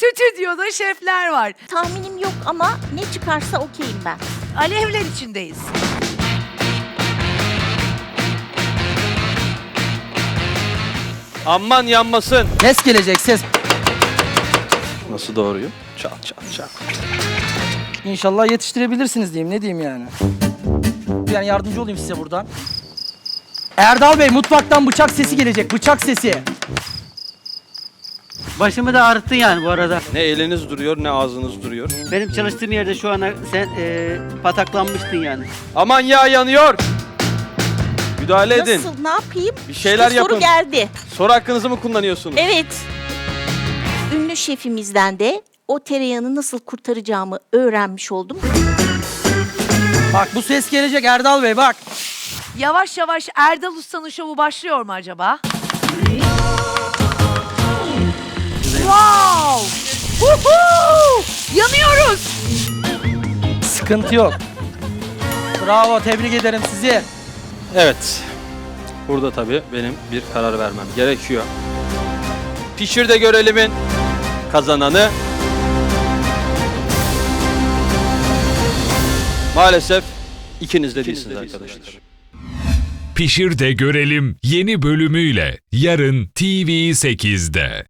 Stüdyoda şefler var. Tahminim yok ama ne çıkarsa okeyim ben. Alevler içindeyiz. Aman yanmasın. Ses gelecek, ses. Nasıl doğruyu? Çat çat çat. İnşallah yetiştirebilirsiniz diyeyim. Ne diyeyim yani? Yani yardımcı olayım size buradan. Erdal Bey, mutfaktan bıçak sesi gelecek. Bıçak sesi. Başımı da ağrıttın yani bu arada. Ne eliniz duruyor ne ağzınız duruyor. Benim çalıştığım yerde şu ana sen pataklanmıştın yani. Aman yağ yanıyor. Müdahale edin. Nasıl, ne yapayım? Bir şeyler İşte yapın. soru geldi. Soru hakkınızı mı kullanıyorsunuz? Evet. Ünlü şefimizden de o tereyağını nasıl kurtaracağımı öğrenmiş oldum. Bak bu ses gelecek Erdal Bey, bak. Yavaş yavaş Erdal Usta'nın şovu başlıyor mu acaba? Wow! Woohoo! Yanıyoruz! Sıkıntı yok. Bravo, tebrik ederim sizi. Evet. Burada tabii benim bir karar vermem gerekiyor. Pişir de görelimin kazananı maalesef ikiniz de değilsiniz arkadaşlar. Pişir de görelim yeni bölümüyle yarın TV8'de.